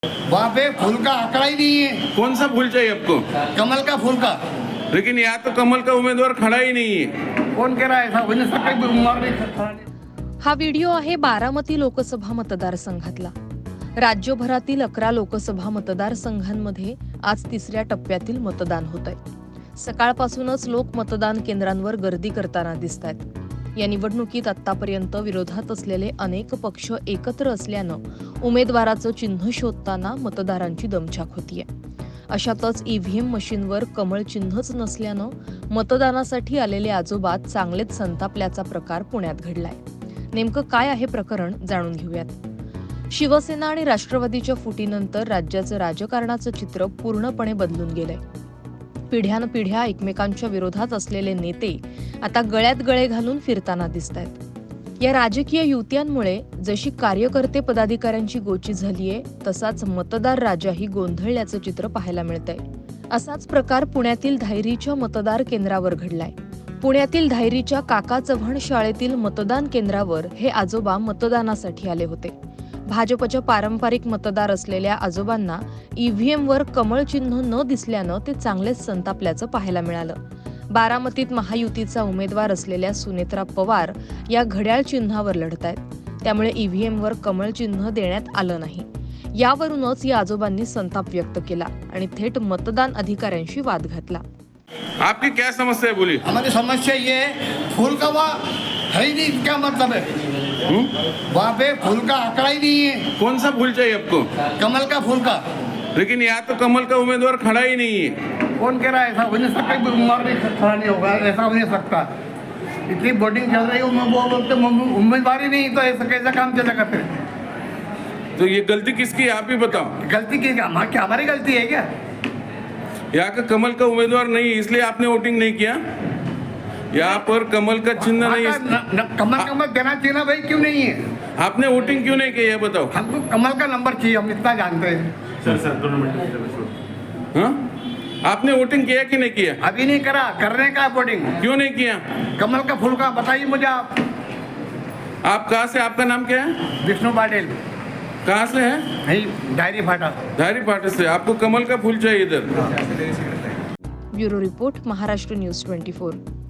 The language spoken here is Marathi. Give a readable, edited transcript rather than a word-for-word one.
वहाँ पे फूल का आंकड़ा ही नहीं है। कौन सा फूल चाहिए आपको? कमल का फूल का। लेकिन यहाँ तो कमल का उम्मीदवार खड़ा ही नहीं है। कौन कह रहा है ऐसा? हो नहीं सकता कि उम्मीदवार नहीं खड़ा नहीं। हा व्हिडिओ आहे बारामती लोकसभा मतदारसंघातला। राज्यभरातील 11 लोकसभा मतदारसंघांमध्ये आज तिसऱ्या टप्प्यातील मतदान होत आहे। सकाळपासूनच लोक मतदान केंद्रांवर गर्दी करताना दिसतायत। या निवडणुकीत आतापर्यंत विरोधात असलेले अनेक पक्ष एकत्र असल्यानं उमेदवाराचं चिन्ह शोधताना मतदारांची दमछाक होतीये। अशातच ईव्हीएम मशीनवर कमळ चिन्हच नसल्यानं मतदानासाठी आलेले आजोबा चांगलेच संतापल्याचा प्रकार पुण्यात घडलाय। नेमकं काय आहे प्रकरण जाणून घेऊयात। शिवसेना आणि राष्ट्रवादीच्या फुटीनंतर राज्याचं राजकारणाचं चित्र पूर्णपणे बदलून गेलंय। पिढ्यानपिढ्या एकमेकांच्या विरोधात असलेले नेते आता गळ्यात गळे घालून फिरताना दिसतायत। या राजकीय युत्यांमुळे जशी कार्यकर्ते पदाधिकाऱ्यांची गोची झालीये तसाच मतदार राजाही गोंधळल्याचं चित्र पाहायला मिळतंय। असाच प्रकार पुण्यातील धायरीच्या मतदार केंद्रावर घडलाय। पुण्यातील धायरीच्या काका चव्हाण शाळेतील मतदान केंद्रावर हे आजोबा मतदानासाठी आले होते। भाजपच्या पारंपरिक मतदार असलेल्या आजोबांना ईव्हीएमवर कमळ चिन्ह न दिसल्यानं ते चांगलेच संतापल्याचं पाहायला मिळालं। बारामतीत महायुतीचा उमेदवार असलेल्या सुनेत्रा पवार या घड्याळ चिन्हावर लढतायत। त्यामुळे ईव्हीएमवर कमळ चिन्ह देण्यात आलं नाही। यावरूनच या आजोबांनी संताप व्यक्त केला आणि थेट मतदान अधिकाऱ्यांशी वाद घातला। आपकी क्या समस्या है बोलिए? हमारी समस्या ये है, फूल का वहाँ है ही नहीं। क्या मतलब है? वहाँ पे फूल का आंकड़ा ही नहीं है। कौन सा फूल चाहिए आपको? कमल का फूल का। लेकिन यहाँ तो कमल का उम्मीदवार खड़ा ही नहीं है। कौन कह रहा है ऐसा? हो नहीं सकता कि उम्मीदवार नहीं खड़ा नहीं होगा। ऐसा हो नहीं सकता। इतनी वोटिंग चल रही है, वो बोलते उम्मीदवार ही नहीं, तो ऐसा कैसा काम चलेगा फिर? तो ये गलती किसकी है आप ही बताओ। गलती की क्या हमारी गलती है क्या? यहाँ का कमल का उम्मीदवार नहीं इसलिए आपने वोटिंग नहीं किया। यहाँ पर कमल का चिन्ह नहीं कमल का मत देना चाहिए ना भाई, क्यों नहीं है? आपने वोटिंग क्यों नहीं की ये बताओ। हमको कमल का नंबर चाहिए, हम इतना जानते हैं। सर 2 मिनट। हाँ, आपने वोटिंग किया कि नहीं किया? अभी नहीं करा, करने का वोटिंग। क्यों नहीं किया? कमल का फूल का बताइए मुझे आप। आप कहाँ से, आपका नाम क्या है? विष्णु पाटिल। कहाँ से है? नहीं, डायरी फाटा। धारी पाटे से। आपको कमल का फूल चाहिए इधर। Bureau report, Maharashtra news 24।